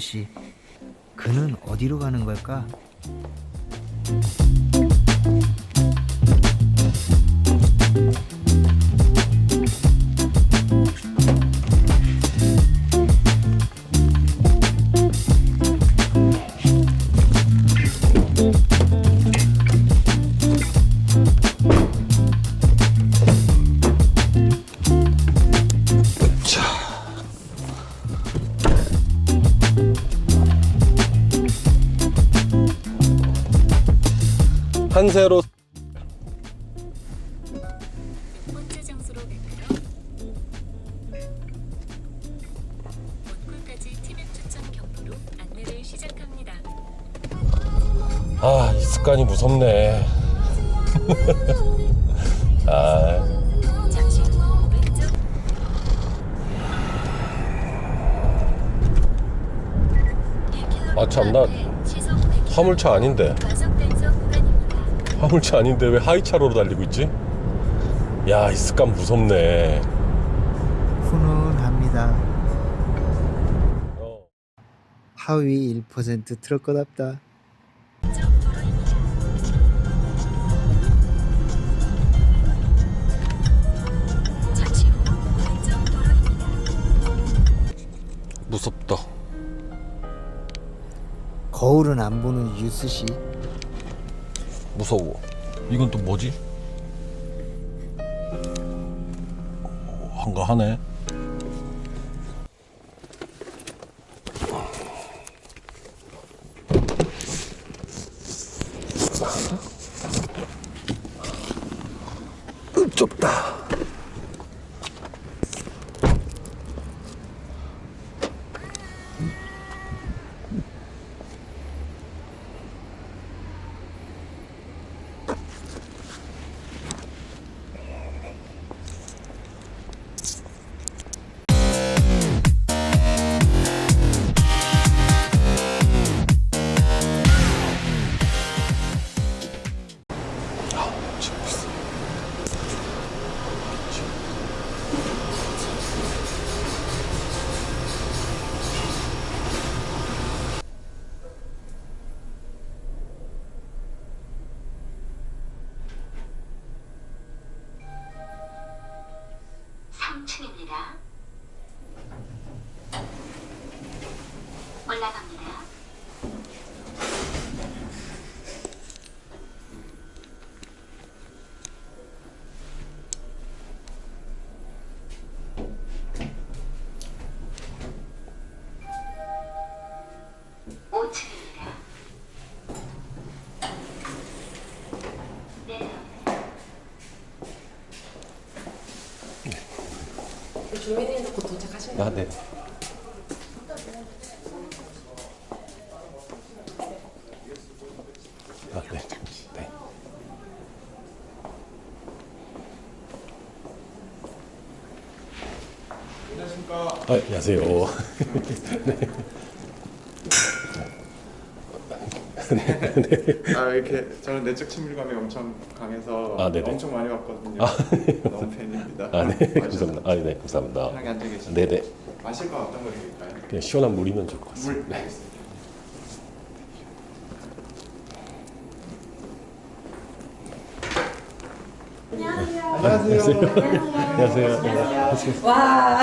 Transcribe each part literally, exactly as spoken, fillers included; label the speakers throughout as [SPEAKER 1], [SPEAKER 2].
[SPEAKER 1] 씨, 그는 어디로 가는 걸까?
[SPEAKER 2] 한세로
[SPEAKER 3] 번째 장소로 갈까요? 원골까지 티맵 추천 경로로 안내를 시작합니다.
[SPEAKER 2] 아, 이 습관이 무섭네. 아,
[SPEAKER 3] 잠시 후 왼쪽
[SPEAKER 2] 아, 참, 나 화물차 아닌데.
[SPEAKER 3] 과속 단속 구간입니다.
[SPEAKER 2] 화물차 아닌데 왜 하이차로로 달리고 있지? 야, 이 습관 무섭네.
[SPEAKER 1] 훈훈합니다.
[SPEAKER 2] 어.
[SPEAKER 1] 하위 일 퍼센트 트럭거답다.
[SPEAKER 3] 왼쪽 도로입니다. 잠시 후 왼쪽 도로입니다.
[SPEAKER 2] 무섭다.
[SPEAKER 1] 거울은 안 보는 유스 씨.
[SPEAKER 2] 무서워. 이건 또 뭐지? 어, 한가하네. 으, 좁다.
[SPEAKER 3] 삼 층입니다. 올라갑니다. 오 층입니다. 내려갑니다.
[SPEAKER 4] 조회대에서 곧 도착하시면
[SPEAKER 2] 아, 네. 아, 네. 네.
[SPEAKER 5] 안녕하십니까.
[SPEAKER 2] 아, 안녕하세요.
[SPEAKER 5] 아 이렇게 저는 내적 친밀감이 엄청 강해서
[SPEAKER 2] 아, 네네.
[SPEAKER 5] 엄청 많이 왔거든요.
[SPEAKER 2] 아,
[SPEAKER 5] 너무 팬입니다.
[SPEAKER 2] 아, 네.
[SPEAKER 5] 와주셔서
[SPEAKER 2] 감사합니다. 아, 네. 감사합니다.
[SPEAKER 5] 편하게 앉아 계시죠.
[SPEAKER 2] 네네.
[SPEAKER 5] 마실 거 어떤 거 드릴까요?
[SPEAKER 2] 그냥 시원한 물이면 좋을 것 같습니다.
[SPEAKER 5] 물.
[SPEAKER 2] 네.
[SPEAKER 5] 알겠습니다. 안녕하세요.
[SPEAKER 2] 안녕하세요. 안녕하세요.
[SPEAKER 4] 와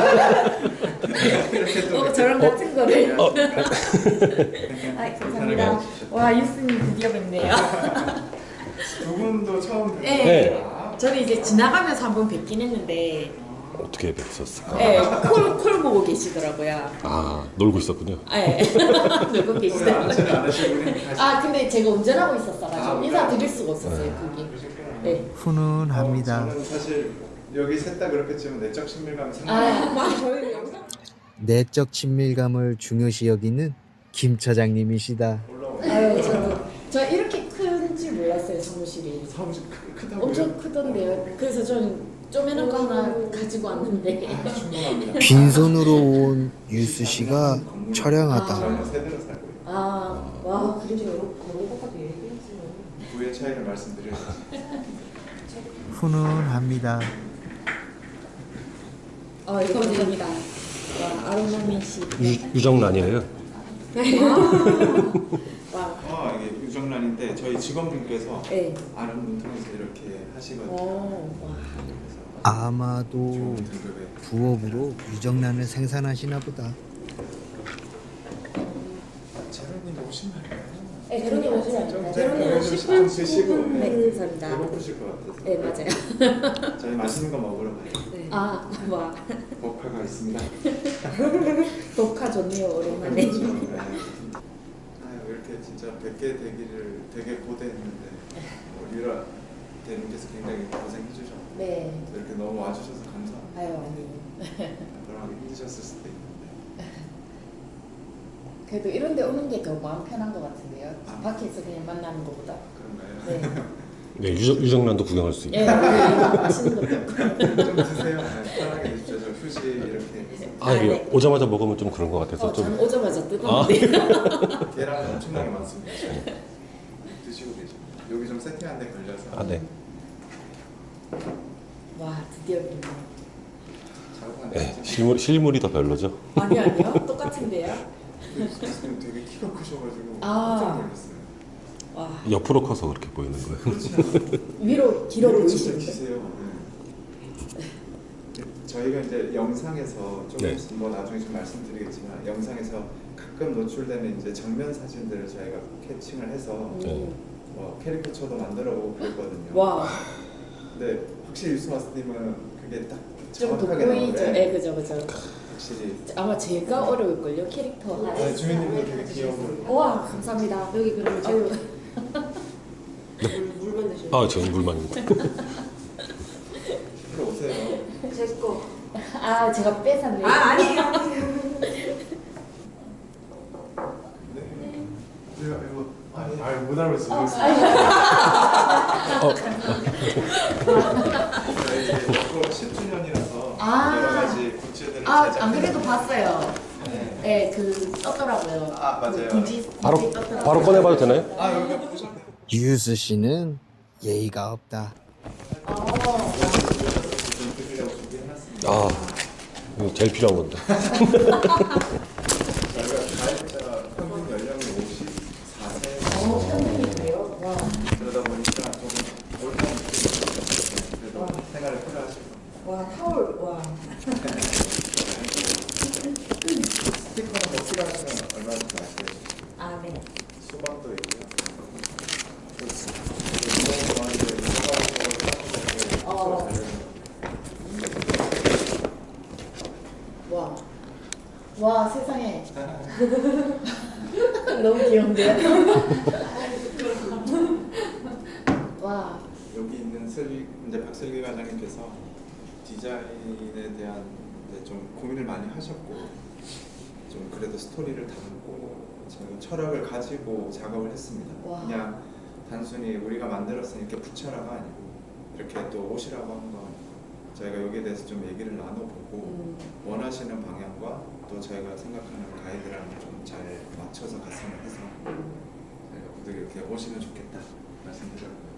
[SPEAKER 5] 이렇게 또
[SPEAKER 4] 어, 저랑 같은 거를
[SPEAKER 2] 어.
[SPEAKER 4] 아, 감사합니다. 와 유스님 드디어 뵙네요.
[SPEAKER 5] 두 분도 처음 뵙는
[SPEAKER 4] 네.
[SPEAKER 2] 네.
[SPEAKER 4] 저는 이제 지나가면서 한번 뵙긴 했는데
[SPEAKER 2] 어떻게 뵀었을까?
[SPEAKER 4] 네, 콜, 콜 보고 계시더라고요.
[SPEAKER 2] 아, 놀고 있었군요.
[SPEAKER 4] 네. 놀고
[SPEAKER 5] 운전
[SPEAKER 4] 계시더라고요.
[SPEAKER 5] 안 하시고 그냥 가시-
[SPEAKER 4] 아 근데 제가 운전하고 있었어가지고
[SPEAKER 5] 아,
[SPEAKER 4] 인사 드릴 수가 없었어요 거기.
[SPEAKER 5] 그러셨구나.
[SPEAKER 4] 네.
[SPEAKER 1] 훈훈합니다.
[SPEAKER 5] 어, 저는 사실 여기 셋 다 그렇게 지금 내적 친밀감이
[SPEAKER 4] 아
[SPEAKER 5] 상당히
[SPEAKER 4] 맞아 저희 영상
[SPEAKER 1] 내적 친밀감을 중요시 여기는 김 차장님이시다.
[SPEAKER 5] 올라오는
[SPEAKER 4] 아유 저도 저 이렇게 큰 줄 몰랐어요 사무실이.
[SPEAKER 5] 사무실 크- 크다고요?
[SPEAKER 4] 엄청 크던데요. 그래서 저는 쪼매는 거 하나 가지고 왔는데.
[SPEAKER 5] 충분합니다.
[SPEAKER 1] 빈손으로 온 유스 씨가 처량하다.
[SPEAKER 5] 저는 세대로 살고 있고
[SPEAKER 4] 아, 와, 그래도 그런 것까지 얘기했어요.
[SPEAKER 5] 부의 차이를 말씀드려야지.
[SPEAKER 1] 훈훈합니다.
[SPEAKER 4] 아, 이거 감사합니다. 와, 아로나미 씨.
[SPEAKER 2] 유, 유정란이에요.
[SPEAKER 4] 와.
[SPEAKER 5] 아 이게 유정란인데 저희 직원분께서
[SPEAKER 4] 네.
[SPEAKER 5] 아는 분 통해서 이렇게 하시거든요.
[SPEAKER 4] 오. 와.
[SPEAKER 5] 그래서
[SPEAKER 1] 아마도
[SPEAKER 5] 좋은 등급의
[SPEAKER 1] 부업으로 유정란을 생산하시나 보다.
[SPEAKER 5] 재료님 오신 말이에요.
[SPEAKER 4] 네, 제로님 오시면
[SPEAKER 5] 좀
[SPEAKER 4] 됩니다.
[SPEAKER 5] 제가
[SPEAKER 4] 제로님
[SPEAKER 5] 좀
[SPEAKER 4] 십 분
[SPEAKER 5] 드시고
[SPEAKER 4] 네, 감사합니다.
[SPEAKER 5] 배고프실 것 같아서.
[SPEAKER 4] 네, 맞아요.
[SPEAKER 5] 저희 맛있는 거 먹으러 가요.
[SPEAKER 4] 네. 아, 와.
[SPEAKER 5] 복화가 있습니다.
[SPEAKER 4] 녹화 좋네요, 오랜만에.
[SPEAKER 5] 그렇죠. 네. 아유 이렇게 진짜 뵙게 되기를 되게 고대했는데 뭐 유라 대님께서 굉장히 고생해 주셨고
[SPEAKER 4] 네.
[SPEAKER 5] 이렇게 너무 와주셔서 감사합니다.
[SPEAKER 4] 아유, 아니에요.
[SPEAKER 5] 그러기 힘드셨을 수도 있는데
[SPEAKER 4] 그래도 이런 데 오는 게 더 마음 편한 것 같은데요.
[SPEAKER 5] 아.
[SPEAKER 4] 밖에서 그냥 만나는 것보다.
[SPEAKER 5] 그런가요?
[SPEAKER 4] 네.
[SPEAKER 2] 네, 유정, 유정란도 구경할 수 있고.
[SPEAKER 4] 예, 네, 맛있는 것도 있고.
[SPEAKER 5] 좀 드세요. 네, 편하게 드십시오. 저 휴지 이렇게 해서
[SPEAKER 2] 아, 이게
[SPEAKER 4] 아, 네.
[SPEAKER 2] 오자마자 먹으면 좀 그런 것 같아서
[SPEAKER 4] 어,
[SPEAKER 2] 좀.
[SPEAKER 4] 저는 오자마자 뜯었는데.
[SPEAKER 5] 계란 엄청나게 많습니다. 드시고 계시고 여기 좀 세팅한 데 걸려서
[SPEAKER 2] 아, 네.
[SPEAKER 4] 와, 드디어 그러네.
[SPEAKER 5] 작업한
[SPEAKER 2] 네,
[SPEAKER 5] 데
[SPEAKER 2] 실물, 실물이 더 별로죠.
[SPEAKER 4] 아니, 아니요. 똑같은데요.
[SPEAKER 5] 지금 되게 키가 크셔가지고
[SPEAKER 4] 아.
[SPEAKER 5] 깜짝 놀랐어요.
[SPEAKER 4] 와,
[SPEAKER 2] 옆으로 커서 그렇게 보이는 거예요.
[SPEAKER 5] 그렇지 않아요?
[SPEAKER 4] 위로 길어
[SPEAKER 5] 이거 진짜
[SPEAKER 4] 보이시는데.
[SPEAKER 5] 기세요. 네. 저희가 이제 영상에서 좀
[SPEAKER 2] 네.
[SPEAKER 5] 뭐 나중에 좀 말씀드리겠지만 영상에서 가끔 노출되는 이제 정면 사진들을 저희가 캐칭을 해서
[SPEAKER 2] 네.
[SPEAKER 5] 뭐 캐리커처도 만들어보고 그랬거든요.
[SPEAKER 4] 와,
[SPEAKER 5] 근데 확실히 유스마스님은 그게 딱
[SPEAKER 4] 좀
[SPEAKER 5] 정확하게
[SPEAKER 4] 돋보이죠.
[SPEAKER 5] 나오네.
[SPEAKER 4] 네, 그죠, 그죠.
[SPEAKER 5] 확실히.
[SPEAKER 4] 아마 제가 어려울걸요, 캐릭터.
[SPEAKER 5] 아, 주민님도 되게 귀여워.
[SPEAKER 4] 와, 감사합니다. 여기 그러면 아유,
[SPEAKER 3] 물만 드시면
[SPEAKER 2] 아, 저는 물만입니다.
[SPEAKER 5] 들어오세요.
[SPEAKER 3] 제거
[SPEAKER 4] 아, 제가 뺏었네요.
[SPEAKER 3] 아 아니에요.
[SPEAKER 5] 네. 이거 이거 아니 아니 못 알아봤어요.
[SPEAKER 2] 어,
[SPEAKER 5] 저희 십 주년이라서
[SPEAKER 4] 아.
[SPEAKER 5] 여러 가지 굿즈들을
[SPEAKER 4] 아,
[SPEAKER 5] 제작해서
[SPEAKER 4] 안 그래도 봤어요.
[SPEAKER 5] 네.
[SPEAKER 4] 네, 그 떴더라고요.
[SPEAKER 5] 아, 맞아요.
[SPEAKER 4] 그 디지,
[SPEAKER 2] 바로,
[SPEAKER 4] 디지 떴더라고요.
[SPEAKER 2] 바로 꺼내봐도 되나요?
[SPEAKER 5] 아 여기가 보셨네.
[SPEAKER 1] 유스 씨는 예의가 없다.
[SPEAKER 4] 어,
[SPEAKER 5] 좀 드리려고 준비해놨습니다.
[SPEAKER 2] 아, 이거 제일 필요한 건데.
[SPEAKER 5] 저희가 가입자 평균 연령이 오십사 세
[SPEAKER 4] 어, 편집이에요. 와,
[SPEAKER 5] 그러다 보니까 조금 올드한 느낌이 있어요. 그래도 생활을 필요하실 겁니다.
[SPEAKER 4] 와, 타올, 와.
[SPEAKER 5] 스티커는 뭐 필요하시면 얼마든지 말씀해 주시죠.
[SPEAKER 4] 아, 네.
[SPEAKER 5] 수박도 있고요.
[SPEAKER 4] 어. 와, 와, 세상에. 너무 귀여운데요? 와,
[SPEAKER 5] 여기 있는 슬기 이제 박슬기 과장님께서 디자인에 대한 이제 좀 고민을 많이 하셨고 좀 그래도 스토리를 담고 저희가 철학을 가지고 작업을 했습니다.
[SPEAKER 4] 와.
[SPEAKER 5] 그냥 단순히 우리가 만들었으니 이렇게 붙여라가 아니고 이렇게 또 옷이라고 한 건 저희가 여기에 대해서 좀 얘기를 나눠보고
[SPEAKER 4] 음.
[SPEAKER 5] 원하시는 방향과 또 저희가 생각하는 가이드랑 좀 잘 맞춰서 갔으면 해서 저희가 모두 이렇게 오시면 좋겠다 말씀드렸고요.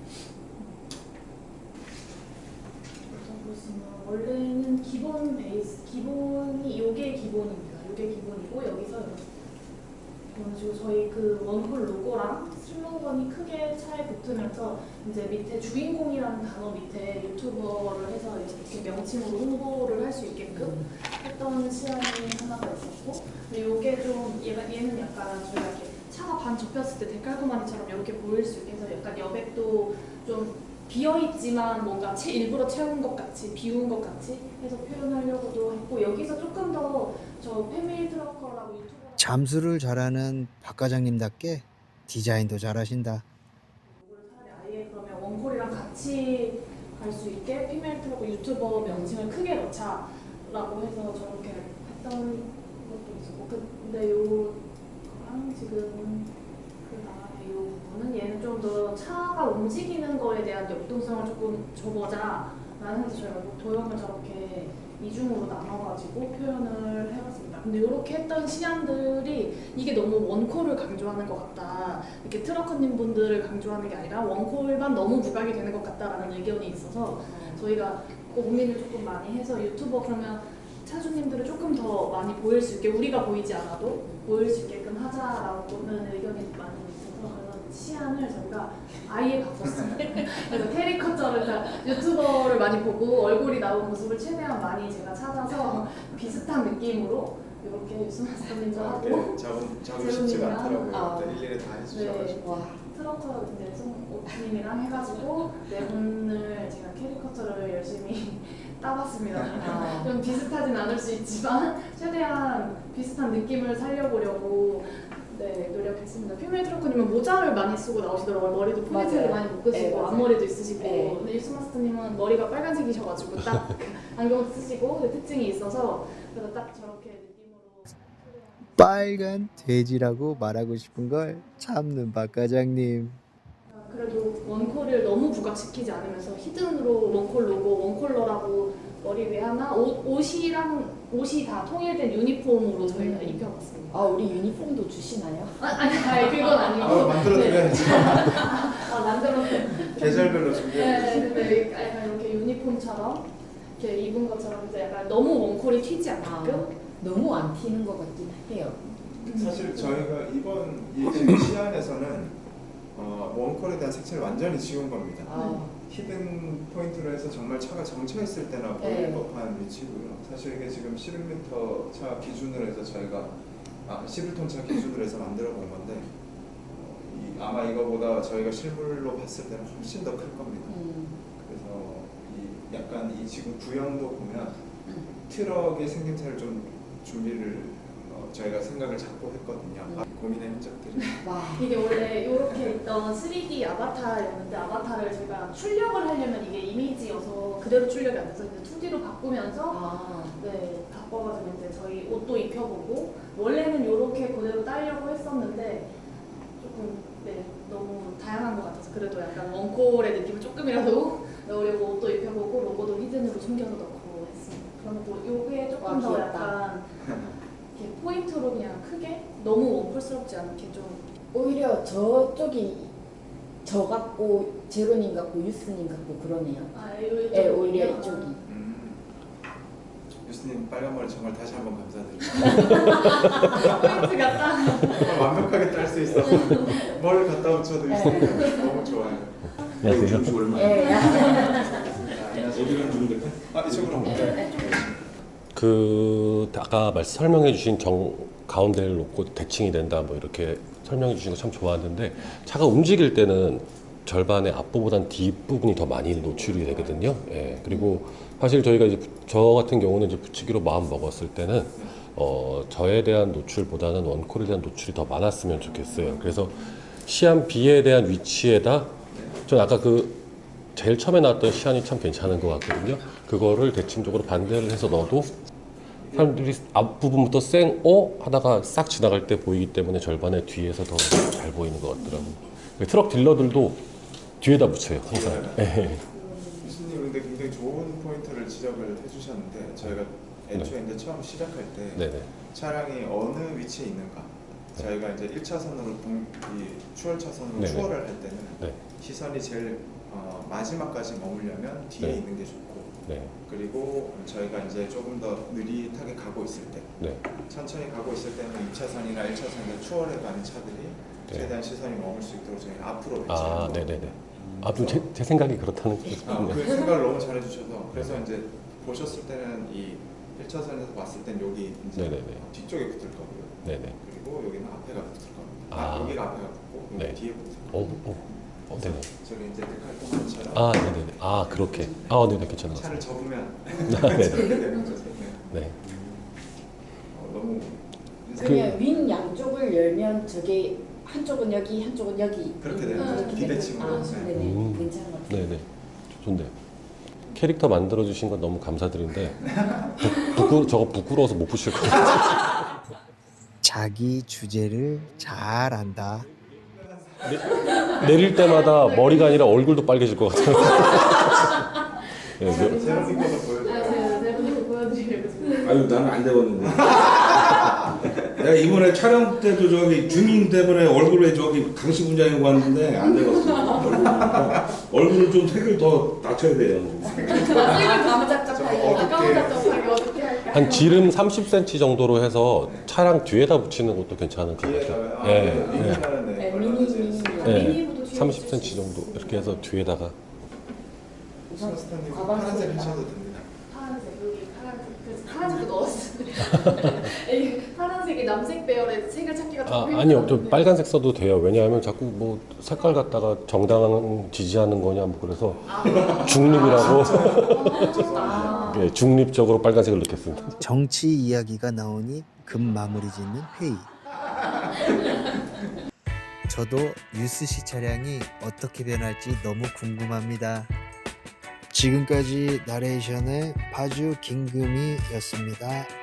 [SPEAKER 6] 보시면 원래는 기본 베이스, 기본이 요게 기본입니다. 요게 기본이고 여기서 이런 식으로 저희 그 원홀 로고랑 슬로건이 크게 차에 붙으면서 이제 밑에 주인공이라는 단어 밑에 유튜버를 해서 이렇게 명칭으로 홍보를 할 수 있게끔 했던 시안이 하나가 있었고, 근데 요게 좀 얘가 얘는 약간 저희가 이렇게 차가 반 접혔을 때 데칼코마니처럼 이렇게 보일 수 있게 해서 약간 여백도 좀 비어있지만 뭔가 채, 일부러 채운 것 같이 비운 것 같이 해서 표현하려고도 했고, 여기서 조금 더 저 패밀리 트럭커라고 유튜버
[SPEAKER 1] 잠수를 잘하는 박 과장님답게 디자인도 잘하신다.
[SPEAKER 6] 요거를 차라리 아예 그러면 원콜이랑 같이 갈 수 있게 패밀리 트럭커 유튜버 명칭을 크게 넣자라고 해서 저렇게 했던 것도 있었고, 근데 요거랑 지금 그 다음에 요 부분은 얘는 좀 더 차가 움직이는 거에 대한 역동성을 조금 줘보자라는 해서 저희가 도형을 저렇게 이중으로 나눠가지고 표현을 해봤습니다. 근데 이렇게 했던 시안들이 이게 너무 원콜을 강조하는 것 같다, 이렇게 트럭커님 분들을 강조하는 게 아니라 원콜만 너무 부각이 되는 것 같다라는 의견이 있어서 저희가 고민을 조금 많이 해서 유튜버 그러면 차주님들을 조금 더 많이 보일 수 있게 우리가 보이지 않아도 보일 수 있게끔 하자라고는 의견이 많이 있어서 그래서 시안을 저희가 아예 바꿨어요. 그래서 캐리커처를 그러니까 유튜버를 많이 보고 얼굴이 나온 모습을 최대한 많이 제가 찾아서 비슷한 느낌으로 이렇게 유스마스터님도 하고
[SPEAKER 5] 이렇게 적은 적은 쉽지가
[SPEAKER 6] 제로님이랑,
[SPEAKER 5] 않더라고요.
[SPEAKER 6] 아,
[SPEAKER 5] 근데 일일이 다 해주셔가지고.
[SPEAKER 6] 네, 와 트로터 이제 송님이랑 해가지고 네 분을 제가 캐리커처를 열심히 따봤습니다.
[SPEAKER 4] 아.
[SPEAKER 6] 좀 비슷하진 않을 수 있지만 최대한 비슷한 느낌을 살려보려고 네 노력했습니다. 피메 트로커님은 모자를 많이 쓰고 나오시더라고요. 머리도 포인트를
[SPEAKER 4] 맞아요.
[SPEAKER 6] 많이 묶으시고
[SPEAKER 4] 네, 맞아요.
[SPEAKER 6] 앞머리도 있으시고
[SPEAKER 4] 네.
[SPEAKER 6] 근데 유스마스터님은 머리가 빨간색이셔가지고 딱 안경 쓰시고 그 특징이 있어서 그래서 딱 저렇게 느낌으로
[SPEAKER 1] 빨간 돼지라고 말하고 싶은 걸 참는 박 과장님.
[SPEAKER 6] 그래도 원콜을 너무 부각시키지 않으면서 히든으로 원콜 로고, 원콜러라고 머리 위에 하나 옷, 옷이랑 옷이 다 통일된 유니폼으로 저희가
[SPEAKER 4] 음.
[SPEAKER 6] 입혀봤습니다.
[SPEAKER 4] 아 우리 유니폼도 주시나요?
[SPEAKER 6] 아, 아니, 아니 그건 아니고
[SPEAKER 5] 아, 만들어드려야지.
[SPEAKER 6] 아 만들어
[SPEAKER 5] 계절별로
[SPEAKER 6] 네,
[SPEAKER 5] 준비해야지.
[SPEAKER 6] 근데 약간 이렇게 유니폼처럼 이렇게 입은 것처럼 이제 약간 너무 원콜이 튀지 않게끔
[SPEAKER 4] 아, 너무 안 튀는 것 같긴 해요.
[SPEAKER 5] 사실 저희가 이번 이 지금 시안에서는 어, 원콜에 대한 색채를 완전히 지운 겁니다.
[SPEAKER 4] 아,
[SPEAKER 5] 히든 포인트로 해서 정말 차가 정차했을 때나 보일
[SPEAKER 4] 네.
[SPEAKER 5] 법한 위치고요. 사실 이게 지금 십일 미터 차 기준으로 해서 저희가 아, 십일 톤 차 기준으로 해서 만들어 본 건데 어, 이, 아마 이거보다 저희가 실물로 봤을 때는 훨씬 더 클 겁니다.
[SPEAKER 4] 음,
[SPEAKER 5] 그래서 이 약간 이 지금 구형도 보면
[SPEAKER 4] 음.
[SPEAKER 5] 트럭의 생김새를 좀 준비를 어, 저희가 생각을 잡고 했거든요.
[SPEAKER 4] 음.
[SPEAKER 5] 아, 고민의 흔적들이.
[SPEAKER 4] 와,
[SPEAKER 6] 이게 원래 이렇게 있던 쓰리디 아바타였는데 아바타를 저희가 출력을 하려면 이게 이미지여서 그대로 출력이 안 돼서 이제 투디로 바꾸면서
[SPEAKER 4] 아,
[SPEAKER 6] 네 바꿔가지고 이제 저희 옷도 입혀보고 원래는 이렇게 그대로 따려고 했었는데 조금 네 너무 다양한 것 같아서 그래도 약간 원콜의 느낌을 조금이라도 넣으려고 옷도 입혀보고 로고도 히든으로 숨겨서 넣고 했습니다. 그러면 또 요게 조금
[SPEAKER 4] 와,
[SPEAKER 6] 더
[SPEAKER 4] 귀엽다.
[SPEAKER 6] 약간 이렇게 포인트로 그냥 크게 너무 원콜스럽지 않게 좀
[SPEAKER 4] 오히려 저쪽이 저 같고 제로님 같고 유스님 같고 그러네요.
[SPEAKER 6] 아, 요,
[SPEAKER 4] 예, 오히려 이쪽이.
[SPEAKER 5] 음, 교수님 빨간 머리 정말 다시 한번 감사드립니다.
[SPEAKER 6] 포인트가 딱
[SPEAKER 5] 정말 완벽하게 딸 수 있어서 뭘 갖다 붙여도 있으니까 너무 좋아요.
[SPEAKER 2] 안녕하세요.
[SPEAKER 4] 예.
[SPEAKER 5] 안녕하세요.
[SPEAKER 7] 어디를 주면 될까?
[SPEAKER 5] 아 이쪽으로.
[SPEAKER 2] 그 아까 말씀 설명해 주신 정 가운데를 놓고 대칭이 된다 뭐 이렇게 설명해 주신 거 참 좋았는데 차가 움직일 때는 절반의 앞부분보단 뒷부분이 더 많이 노출이 되거든요. 예. 그리고 사실 저희가 이제 저 같은 경우는 이제 붙이기로 마음 먹었을 때는 어 저에 대한 노출보다는 원콜에 대한 노출이 더 많았으면 좋겠어요. 그래서 시안 B에 대한 위치에다 전 아까 그 제일 처음에 나왔던 시안이 참 괜찮은 것 같거든요. 그거를 대칭적으로 반대를 해서 넣어도 사람들이 앞부분부터 쌩어 하다가 싹 지나갈 때 보이기 때문에 절반의 뒤에서 더 잘 보이는 것 같더라고요. 트럭 딜러들도 뒤에다 붙여요, 항상. 예.
[SPEAKER 5] 교수님 근데 굉장히 좋은 포인트를 지적을 해주셨는데 저희가 애초에 이제 처음 시작할 때
[SPEAKER 2] 네네.
[SPEAKER 5] 차량이 어느 위치에 있는가 저희가 이제 일 차선으로 동, 이 추월 차선으로
[SPEAKER 2] 네네.
[SPEAKER 5] 추월을 할 때는
[SPEAKER 2] 네.
[SPEAKER 5] 시선이 제일 어, 마지막까지 머무려면 뒤에
[SPEAKER 2] 네.
[SPEAKER 5] 있는 게 좋고
[SPEAKER 2] 네.
[SPEAKER 5] 그리고 저희가 이제 조금 더 느릿하게 가고 있을 때
[SPEAKER 2] 네.
[SPEAKER 5] 천천히 가고 있을 때는 이 차선이나 일 차선에 추월해 가는 차들이
[SPEAKER 2] 네.
[SPEAKER 5] 최대한 시선이 머물 수 있도록 저희가 앞으로
[SPEAKER 2] 아,
[SPEAKER 5] 배치하는
[SPEAKER 2] 네네네. 아, 좀 제, 제 생각이 그렇다는 게
[SPEAKER 5] 아,
[SPEAKER 2] 네.
[SPEAKER 5] 그 생각을 너무 잘해주셔서 그래서 이제 보셨을 때는 이 일 차선에서 봤을 땐 여기 이제
[SPEAKER 2] 네네네.
[SPEAKER 5] 뒤쪽에 붙을 거고요.
[SPEAKER 2] 네네.
[SPEAKER 5] 그리고 여기는 앞에가 붙을 겁니다. 아,
[SPEAKER 2] 아.
[SPEAKER 5] 여기가 앞에가 붙고 여기
[SPEAKER 2] 네.
[SPEAKER 5] 뒤에 붙을
[SPEAKER 2] 어,
[SPEAKER 5] 거고.
[SPEAKER 2] 어, 어, 네네.
[SPEAKER 5] 저기 이제 데칼토마는 차랑
[SPEAKER 2] 아, 네네네. 아, 그렇게. 아, 네네. 괜찮은 것
[SPEAKER 5] 차를
[SPEAKER 2] 같습니다.
[SPEAKER 5] 접으면
[SPEAKER 2] 아, 네.
[SPEAKER 5] 저렇게 되는 거죠. 네.
[SPEAKER 2] 네.
[SPEAKER 5] 어, 너무
[SPEAKER 4] 그냥 윈 양쪽을 열면 저게 한쪽은 여기 한쪽은 여기
[SPEAKER 5] 그렇게 되는
[SPEAKER 6] 거죠.
[SPEAKER 4] 이렇게
[SPEAKER 5] 비대칭으로.
[SPEAKER 4] 되는- 아,
[SPEAKER 5] 네.
[SPEAKER 4] 네네.
[SPEAKER 2] 음.
[SPEAKER 4] 괜찮은 것 같아요.
[SPEAKER 2] 네네. 좋네요. 캐릭터 만들어 주신 건 너무 감사드린데 부, 부끄, 저거 부끄러워서 못 pu실 것 같아요.
[SPEAKER 1] 자기 주제를 잘 안다.
[SPEAKER 2] 내릴 때마다 머리가 아니라 얼굴도 빨개질 것 같아요. 네, 그-
[SPEAKER 5] 제로님 거도
[SPEAKER 6] 아,
[SPEAKER 5] 보여줘요.
[SPEAKER 6] 제가 내분이 보여드리려고 지금
[SPEAKER 7] 아유 나는 안 되거든요. 내가 이번에 촬영 때도 저기 주민 때문에 얼굴에 저기 강씨 분장하고 왔는데 안 되겠어. 얼굴 얼굴을 좀 색을 더 낮춰야 돼요.
[SPEAKER 4] 색을 감짝짝
[SPEAKER 6] 아까운 작정하기 어떻게 할까요?
[SPEAKER 2] 한 지름 삼십 센티미터 정도로 해서 차량 뒤에다 붙이는 것도 괜찮을 것 같아요.
[SPEAKER 5] 뒤에다가요?
[SPEAKER 2] 예,
[SPEAKER 5] 아, 미니는 네,
[SPEAKER 4] 네,
[SPEAKER 5] 얼마나
[SPEAKER 4] 미니,
[SPEAKER 5] 제일
[SPEAKER 4] 미니.
[SPEAKER 5] 쓰고.
[SPEAKER 2] 예.
[SPEAKER 6] 미니보도 뒤에
[SPEAKER 2] 삼십
[SPEAKER 6] 붙일 수
[SPEAKER 2] 센티미터 정도
[SPEAKER 6] 있어요.
[SPEAKER 2] 이렇게 해서 뒤에다가
[SPEAKER 4] 우선
[SPEAKER 5] 스탠딩
[SPEAKER 4] 가방
[SPEAKER 5] 파란색
[SPEAKER 4] 속에다.
[SPEAKER 5] 하셔도 됩니다.
[SPEAKER 6] 파란색 여기 파란색 그래서 파란색도 넣었어요. 이 파란색이 남색 배열의 색을 찾기가
[SPEAKER 2] 아,
[SPEAKER 6] 좀
[SPEAKER 2] 아니요, 좀
[SPEAKER 6] 힘들었는데.
[SPEAKER 2] 빨간색 써도 돼요. 왜냐하면 자꾸 뭐 색깔 갖다가 정당한 지지하는 거냐 뭐 그래서 중립이라고
[SPEAKER 6] 아,
[SPEAKER 2] 예, 중립적으로 빨간색을 넣겠습니다.
[SPEAKER 1] 정치 이야기가 나오니 급 마무리 짓는 회의. 저도 유스씨 차량이 어떻게 변할지 너무 궁금합니다. 지금까지 나레이션의 파주 김금희였습니다.